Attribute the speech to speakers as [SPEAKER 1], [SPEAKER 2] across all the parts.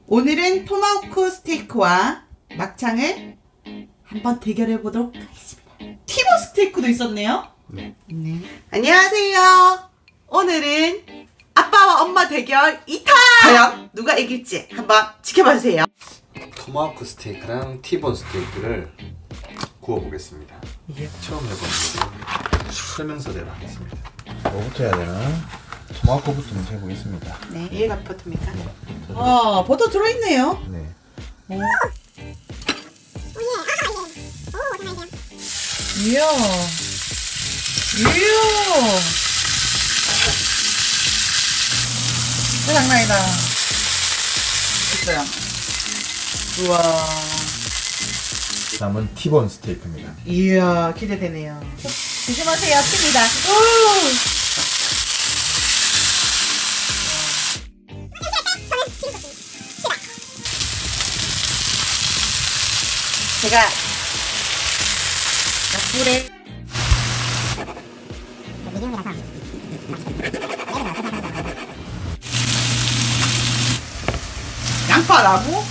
[SPEAKER 1] 오늘은 토마호크 스테이크와 막창을 한번 대결해 보도록 하겠습니다. 티본 스테이크도 있었네요.
[SPEAKER 2] 네.
[SPEAKER 1] 네. 안녕하세요. 오늘은 아빠와 엄마 대결 2탄! 과연 누가 이길지 한번 지켜봐주세요.
[SPEAKER 2] 토마호크 스테이크랑 티본 스테이크를 구워보겠습니다. 처음 해보는 설명서대로 하겠습니다.
[SPEAKER 3] 뭐부터 해야 되나? 토마호크부터 먼저 해보겠습니다.
[SPEAKER 1] 네, 얘가 버터입니까?
[SPEAKER 3] 버터.
[SPEAKER 1] 버터 들어있네요.
[SPEAKER 3] 네.
[SPEAKER 1] 이야. 이야. 장난이다. 있어요. 우와.
[SPEAKER 3] 다음은 티본 스테이크입니다.
[SPEAKER 1] 이야, 기대되네요. 조심하세요, 튑니다. 제가 약불에 양파라고?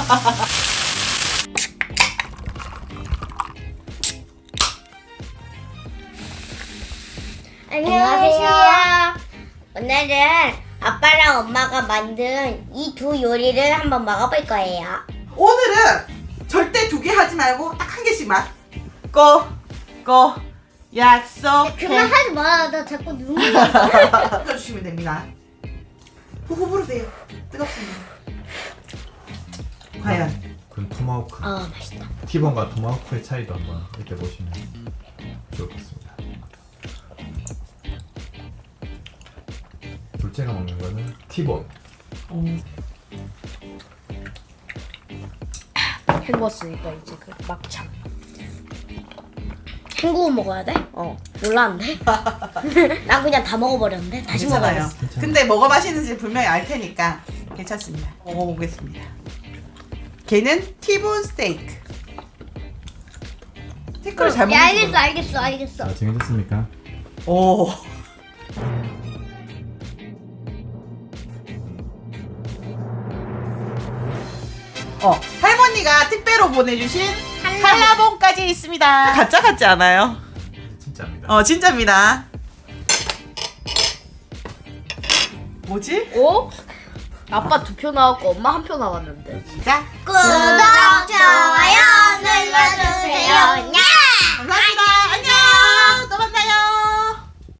[SPEAKER 4] 안녕하세요. 오늘은 아빠랑 엄마가 만든 이 두 요리를 한번 먹어볼 거예요.
[SPEAKER 1] 오늘은 절대 두 개 하지 말고 딱 한 개씩만. 약속해.
[SPEAKER 4] 그만하지 마. 나 자꾸 눈물이
[SPEAKER 1] 주시면 됩니다. 후후 부르세요. 뜨겁습니다. 과연
[SPEAKER 3] 그럼 토마호크.
[SPEAKER 4] 맛있다.
[SPEAKER 3] 티본과 토마호크의 차이도 한번 이렇게 보시면 좋겠습니다. 둘째가 먹는 거는 티본.
[SPEAKER 4] 헹궜으니까 이제 그 막창. 헹구고 먹어야 돼? 몰랐는데? 난 그냥 다 먹어버렸는데? 다시
[SPEAKER 1] 괜찮아요.
[SPEAKER 4] 먹어야겠어.
[SPEAKER 3] 괜찮아요.
[SPEAKER 1] 근데 뭐가 맛있는지 분명히 알 테니까 괜찮습니다. 먹어보겠습니다. 걔는 티본 스테이크. 스테이크를 잘
[SPEAKER 4] 야,
[SPEAKER 1] 먹는
[SPEAKER 4] 알겠어.
[SPEAKER 3] 자, 정해졌습니까?
[SPEAKER 1] 오. 할머니가 택배로 보내주신 한라봉까지 있습니다. 가짜 같지 않아요?
[SPEAKER 3] 진짜입니다.
[SPEAKER 1] 진짜입니다. 뭐지?
[SPEAKER 5] 어? 아빠 2표 나왔고 엄마 1표 나왔는데.
[SPEAKER 1] 시작.
[SPEAKER 4] 구독, 좋아요 눌러주세요. 냐!